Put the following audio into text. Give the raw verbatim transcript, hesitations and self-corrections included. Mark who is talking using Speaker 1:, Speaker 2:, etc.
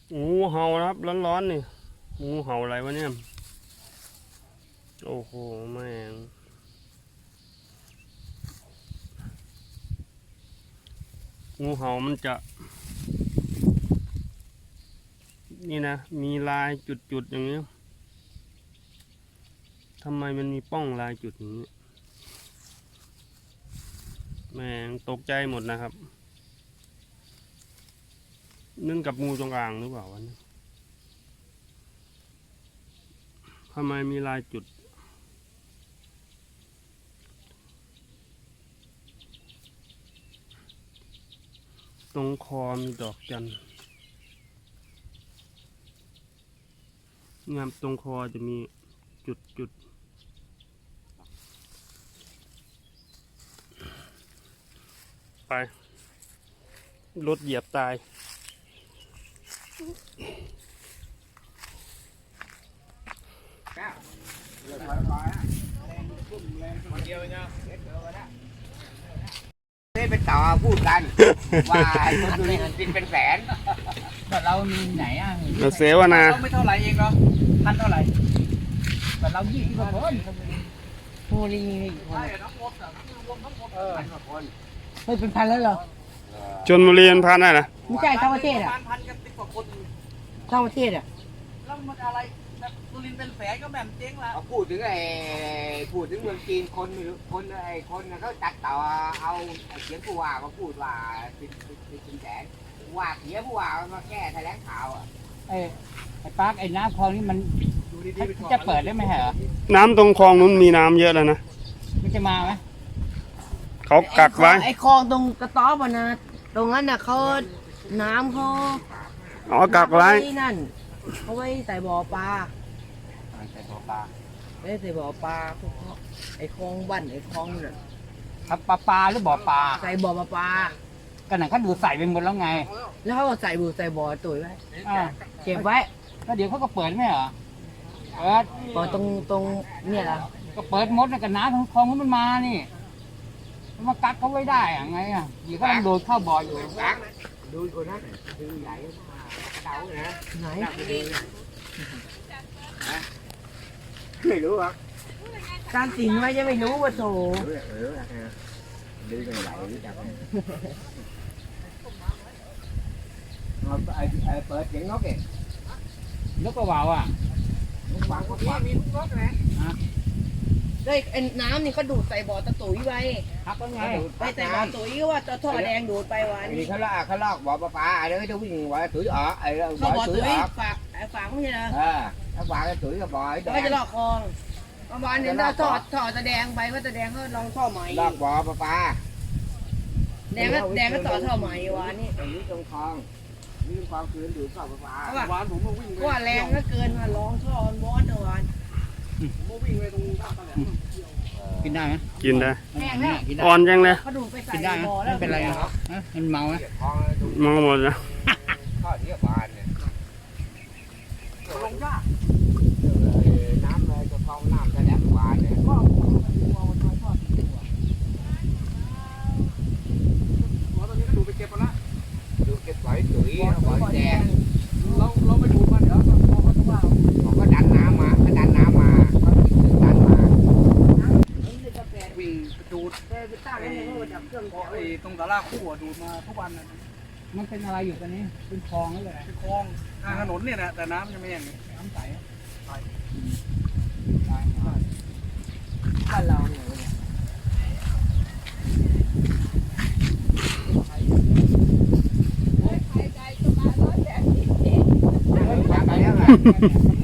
Speaker 1: งูเห่านะครับร้อนๆนี่งูเห่าอะไรวะเนี่ยโอ้โหแม่งงูเห่ามันจะนี่นะมีลายจุดๆอย่างนี้ทำไมมันมีป้องลายจุดอย่างนี้แม่งตกใจหมดนะครับนึ่งกับงูจงอางหรือเปล่าวะเนี่ยทำไมมีลายจุดตรงคอมีดอกจันทร์งามตรงคอจะมีจุดจุดไปรถเหยียบตาย
Speaker 2: นี่เป็นต่อพูดกัน ว่าคนดูนี่กินเป็นแสน
Speaker 3: แต่เรามีไหนอ่ะ
Speaker 1: เราเสวนา
Speaker 3: เราไม่เท่าไหร่เองเนาะพันเท่าไหร่แต่เรายี่สิบกว่าคนโอ้ยคนเออ
Speaker 2: พันกว่าคน
Speaker 3: ไม่เป็นพันแล้วเหรอ
Speaker 1: ชนบุรีมันพันได้นะ
Speaker 3: ไม่ใช่ทั้งประเทศอ่ะ
Speaker 4: พันกันสิบกว่าคน
Speaker 3: ทั้งประเทศอ่ะ
Speaker 4: แล้วมันอะไรสุรินทร์เป็นแสนก็แหม่มเจ๊งละ
Speaker 2: เขาพูดถึงไอ้พูดถึงเมืองจีนคนไม่รู้คนไอ้คนเขาตัดต่อเอาเสียงผู้ว่ามาพูดว่าเป็นเป็นแสนว่าเสียผู้ว่ามาแก้แถลงข่าวอ่ะ
Speaker 3: ไอ้ไอ้ปาร์คไอ้น้ำคลองนี่มันจะเปิดได้ไหมเหรอ
Speaker 1: น้ำตรงคลองนู้นมีน้ำเยอะแล้วนะ
Speaker 3: มันจะมาไหม
Speaker 1: เขากักไว้
Speaker 5: ไอ้คลองตรงกระต๊อบอะนะตรงนั้นน่ะเขาน้ำเขา
Speaker 1: เอากักไว้
Speaker 5: ที่นั่นเขาไว้ใส่บ่อปลา
Speaker 3: ใส่ตัวปลา
Speaker 5: ไว้ใส่บ่อปลาพวกเขาไอ้คลองบ้านไอ้คลองน่ะ
Speaker 3: ครับปลาปลาหรือบ่อปลา
Speaker 5: ใส่บ่อปลาปลา
Speaker 3: กันไหนเขาดูใส่ไปหมดแล้วไง
Speaker 5: แล้วเขาก็ใส่บูใส่บ่อตุ๋ยไว้
Speaker 3: อ่า
Speaker 5: เก็บไว้
Speaker 3: แล้วเดี๋ยวเขาก็เปิดไหมเหรอเปิด
Speaker 5: บ่อตรงตรงเนี่ยล่ะ
Speaker 3: ก็เปิดมดกับน้ำของคลองมันมานี่มันมากักเขาไว้ได้อะไงอ่ะเดี๋ยวก็ต้องโดนเข้าบ่ออยู่
Speaker 2: ตักดูคนนั้นดูใหญ่เดาเลยนะ
Speaker 5: ไหน
Speaker 2: ไม่รู้อ่ะ
Speaker 5: การสิงไว้จะไม่รู้ว่าโถ
Speaker 2: รู้เออดูกันใหญ่รู้จักไอ้ไอ้เปิดเสียงนกเอง
Speaker 3: นกกระว่าวอ่ะ
Speaker 2: ฟังก็ฟังมีนกนะ
Speaker 5: ได้ไอ้น้ำนี่เขาดูดใส่บ่อตะตุ๋ยไว้
Speaker 3: ครับก็ไง
Speaker 5: ไปใส่บ่อตุ๋ยก็ว่าจะท่อแดงดูดไปวัน
Speaker 2: นี่เขาลากเขาลอกบ่อปลาปลาไอ้เด้อจะวิ่งบ่อตุ๋ยออกไอ้บ่
Speaker 5: เข้า
Speaker 2: อ
Speaker 5: บ่อ
Speaker 2: ตุ๋ย
Speaker 5: ตุ๋ย
Speaker 2: ออก
Speaker 5: ฝากไอ้ฝากไม่ใช่เหรอ
Speaker 2: เออถ้าบ่อตุ๋ยกับบ่อแด
Speaker 5: แล้วก็
Speaker 2: ง
Speaker 5: จะลอกคลองประมาณนี้ถ้าท่อท่อตะแดงไปก็ตะแดงก็ลองท่อใหม่
Speaker 2: ลอกบ่อปลาปลา
Speaker 5: แดงก็แดงก็ต่อท่อใหม่วะนี่
Speaker 2: ตรงนี้ตรงคลองนี่คลองคืนดูดเข้าปลาปลา
Speaker 5: เพราะว่า
Speaker 4: หวานผมมาวิ่งไป
Speaker 5: เพราะว่าแรงก็เกินมาลองท่อมันบอสเมื่อวาน
Speaker 4: ผมมาวิ่งไปตรงท่าตะแหลม
Speaker 3: กินได้ไหม
Speaker 1: กินได้
Speaker 5: แห้งแล้ว
Speaker 3: กินได้
Speaker 1: อ่อนจังเลย
Speaker 5: เขาดูดไปใส่
Speaker 3: กินได้ไหม
Speaker 5: บ่อแล้ว
Speaker 3: ไม่เป็นไรนะฮะมันเมาไหม
Speaker 2: คลองดู
Speaker 1: มองหมดแล้ว
Speaker 2: ข้อเทียบบานเนี่ย
Speaker 4: ลงยาก
Speaker 2: น้ำเลยก็คลองน้ำแถลงบานเนี่ย
Speaker 4: หัวตอนนี้ก็ดูไปเก็บมาละ
Speaker 2: ดูเก็บไว้ตุ๋ยบ่อแดง
Speaker 4: เราเราไปดูมันเดี๋ยวเราพอเขาต้องว่า
Speaker 2: เขาก็ดันน้ำมาก็ดันน้ำมาดันมา
Speaker 4: วิ่งดูด
Speaker 5: ไปตั้งให้เขาดับเครื่อง
Speaker 4: พอไอ้ตรงตลาดคู่ดูดมาทุกวันนะ
Speaker 3: มันเป็นอะไรอยู่ตอนนี้เป็นคลองนี่แหละ
Speaker 4: เป็นคลองทางถนนเนี่ยนะแต่น้ำยังไม่อย่างนี้
Speaker 3: น้ำใส
Speaker 5: บ้านเราเนี่ย
Speaker 2: ไปแล้วไง